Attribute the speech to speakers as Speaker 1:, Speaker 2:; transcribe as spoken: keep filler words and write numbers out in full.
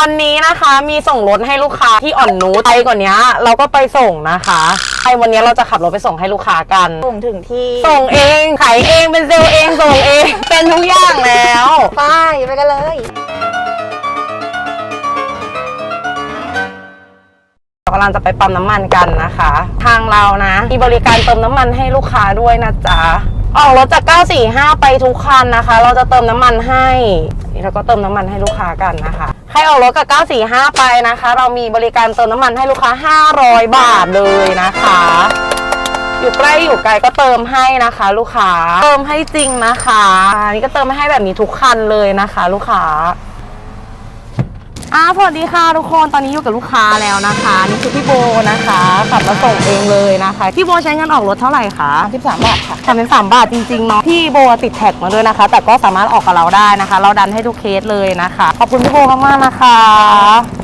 Speaker 1: วันนี้นะคะมีส่งรถให้ลูกค้าที่อ่อนนุชไปกว่านี้เราก็ไปส่งนะคะไอ้วันนี้เราจะขับรถไปส่งให้ลูกค้ากัน
Speaker 2: ส่งถึงที่
Speaker 1: ส่งเองขายเองเป็นเซลล์เองส่งเองเป็นทุกอย่างแล้ว
Speaker 2: ไปไปกันเลย
Speaker 1: กำลังจะไปปั๊มน้ำมันกันนะคะทางเรานะมีบริการเติมน้ำมันให้ลูกค้าด้วยนะจ๊ะออกรถจากเก้าสี่ห้าไปทุกคันนะคะเราจะเติมน้ำมันให้นี่เราก็เติมน้ำมันให้ลูกค้ากันนะคะใครออกรถกับเก้าสี่ห้าไปนะคะเรามีบริการเติมน้ำมันให้ลูกค้าห้าร้อยบาทเลยนะคะอยู่ใกล้อยู่ไกลก็เติมให้นะคะลูกค้าเติมให้จริงนะคะนี่ก็เติมให้แบบนี้ทุกคันเลยนะคะลูกค้าอ่าสวัสดีค่ะทุกคนตอนนี้อยู่กับลูกค้าแล้วนะคะนี่คือพี่โบนะคะขับมาส่งเองเลยนะคะพี่โบใช้เงินออกรถเท่าไหร่คะ
Speaker 2: สิบสามบาทค่ะ
Speaker 1: ทำเป็นสามบาทจริงๆเนาะพี่โบติดแท็กมาด้วยนะคะแต่ก็สามารถออกกับเราได้นะคะเราดันให้ทุกเคสเลยนะคะขอบคุณพี่โบมากๆนะคะ